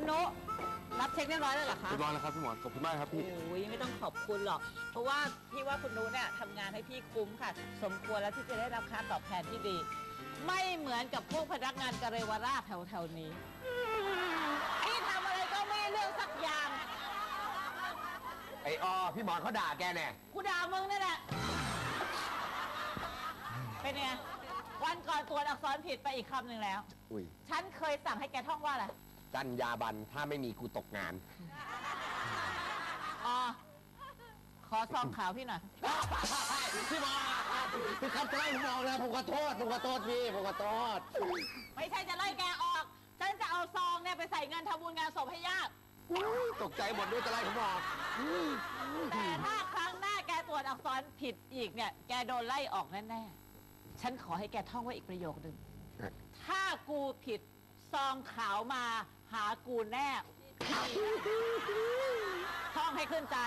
นุรับเช็คเรียบร้อยแล้วเหรอคะเรียบร้อยแล้วครับพี่หมอนขอบคุณมากครับพี่โอ้ยไม่ต้องขอบคุณหรอกเพราะว่าพี่ว่าคุณนุเนี่ยทำงานให้พี่คุ้มค่ะสมควรแล้วที่จะได้รับค่าตอบแทนที่ดี ไม่เหมือนกับพวกพนักงานกเรวราชแถวๆนี้พี่ทำอะไรก็ไม่เรื่องสักอย่างไอ้พี่หมอนเขาด่าแกเนี่ยกูด่ามึงนั่นแหละเป็นไงวันก่อนตรวจอักษรผิดไปอีกคำหนึ่งแล้วอุ้ยฉันเคยสั่งให้แกท่องว่าอะไรจรรยาบรรณถ้าไม่มีกูตกงานอ๋อขอซองขาวพี่หน่อยพี่หมอนพี่ครับจะไล่ผมออกนะผมขอโทษพี่ผมขอโทษไม่ใช่จะไล่แกออก ฉันจะเอาซองเนี่ยไปใส่เงินทำบุญงานศพให้ญาติตกใจหมดด้วยจะไล่ผมออกแต่ถ้าครั้งหน้าแกตรวจอักษรผิดอีกเนี่ย แกโดนไล่ออกแน่ๆ ฉันขอให้แกท่องไว้อีกประโยคหนึ่ง ถ้ากูผิดซองขาวมาหากูแน่ ท่องให้ขึ้นใจ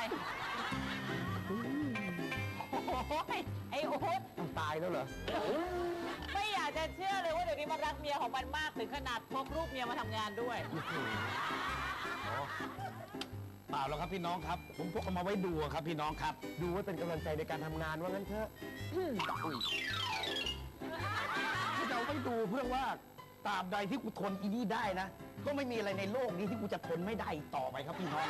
โอ้ยไอ้อุ๊ดตายแล้วเหรอไม่อยากจะเชื่อเลยว่าเดี๋ยวนี้มันรักเมียของมันมากถึงขนาดพกรูปเมียมาทำงานด้วยเปล่าแล้วครับพี่น้องครับ ผมพกเอามาไว้ดูครับพี่น้องครับดูไว้เป็นกำลังใจในการทำงานว่างั้นเถอะที่จะเอาไว้ดูเพื่อว่าตราบใดที่กูทนอีนี่ได้นะ ก็ไม่มีอะไรในโลกนี้ที่กูจะทนไม่ได้อีกต่อไปครับพี่น้อง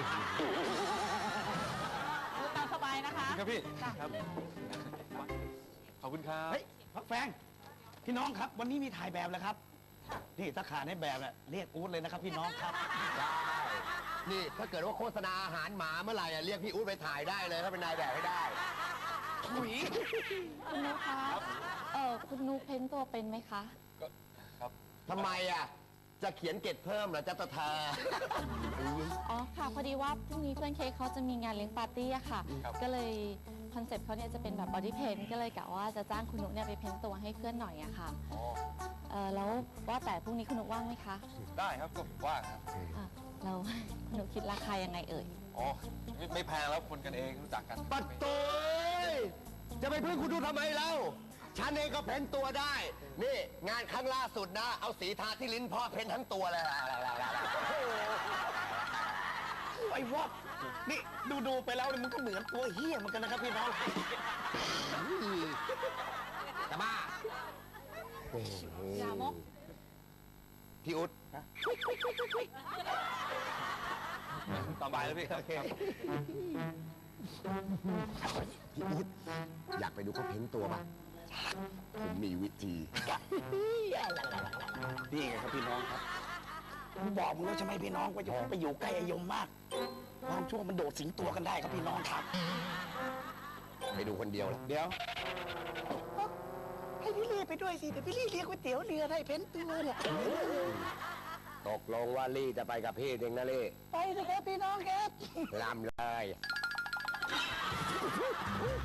ดูตามสบายนะคะครับพี่จ้ะครับขอบคุณครับเฮ้ยพักแฟงพี่น้องครับ วันนี้มีถ่ายแบบแล้วครับ นี่ถ้าขาดให้แบบน่ะเรียกอู๊ดเลยนะครับ พี่น้องครับได้นี่ถ้าเกิดว่าโฆษณาอาหารหมาเมื่อไหร่เรียกพี่อุ๊ดไปถ่ายได้เลยถ้าเป็นนายแบบให้ได้ถุยคุณนุคะคุณนุเพ้นตัวเป็นไหมคะทำไมจะเขียนเกตเพิ่มเหรอจะตะทาอ๋อค่ะ พอดีว่าพรุ่งนี้เพื่อนเค้กเขาจะมีงานเลี้ยงปาร์ตี้อะค่ะ ก็เลยคอนเซ็ปต์เขาเนี่ยจะเป็นแบบบอดี้เพนก็เลยกะว่าจะจ้างคุณนุเนี่ยไปเพ้นตัวให้เพื่อนหน่อยอะค่ะแล้วว่าแต่พรุ่งนี้คุณนุว่างไหมคะได้ครับก็ว่างครับแล้ว คุณนุคิดราคายังไงเอ่ยอ๋อไม่แพงแล้วคนกันเองรู้จักกันปัดโตยจะไปพึ่งคุณดูทำไมเล่าฉันเองก็เพ้นตัวได้ นี่งานครั้งล่าสุดนะ เอาสีทาที่ลิ้นพ่อเพ้นทั้งตัวเลยไอ้วอกนี่ดูไปแล้วเนี่ยมันก็เหมือนตัวเฮี้ยเหมือนกันนะครับพี่น้องจะบ้าอย่ามกพี่อุ๊ดต่อไปแล้วพี่ครับพี่อุ๊ดอยากไปดูเขาเพ้นตัวปะผมมีวิธีนี่ไงครับพี่น้องครับผมบอกมึงแล้วใช่ไหมพี่น้องว่าจะไปอยู่ใกล้ไอยมมากความชั่วมันโดดสิงตัวกันได้ครับพี่น้องครับไปดูคนเดียวแล้วเดี๋ยวให้พี่ลี่ไปด้วยสิเดี๋ยวพี่ลี่เลี้ยงก๋วยเตี๋ยวเรือได้เพ้นตัวเนี่ยตกลงว่าลี่จะไปกับพี่เองนะลี่ไปเลยครับพี่น้องครับลำเลย